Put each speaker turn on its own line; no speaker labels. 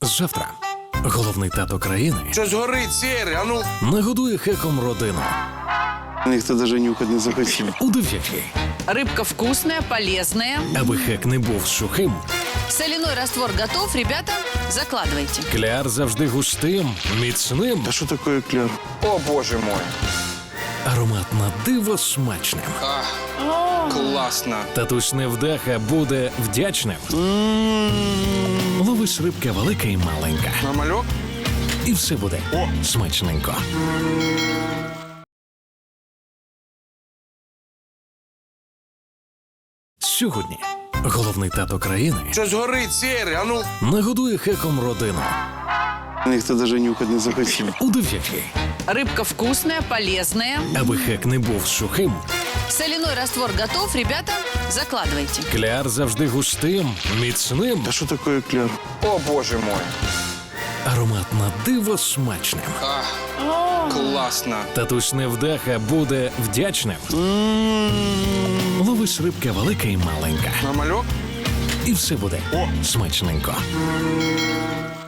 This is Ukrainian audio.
Завтра головний тато країни
Щось горить, сірий, а ну.
нагодує хеком родину
Ніхто даже нюхать не захотів.
у 9,
Рыбка вкусная, полезная.
аби хек не був сухим,
Соляной раствор готов, ребята, закладывайте.
кляр завжди густим, міцним,
А що таке кляр?
О, боже мой.
аромат на диво смачним.
Класно.
Татусь невдаха буде вдячним. Ловиш рибка велика і маленька.
Нормальок?
І все буде смачненько. Сьогодні головний тато країни
Щось горить, сірий, а ну.
нагодує хеком родину
Ніхто даже нюхать не захотів.
у 9,
Рыбка вкусная, полезная.
аби хек не був сухим,
Соляной раствор готов, ребята, закладывайте.
кляр завжди густим, міцним,
А що таке кляр?
О, боже мой.
аромат на диво смачним.
Класно.
Татусь невдаха буде вдячним. Ловиш рибка велика і маленька.
Нормальок?
І все буде смачненько.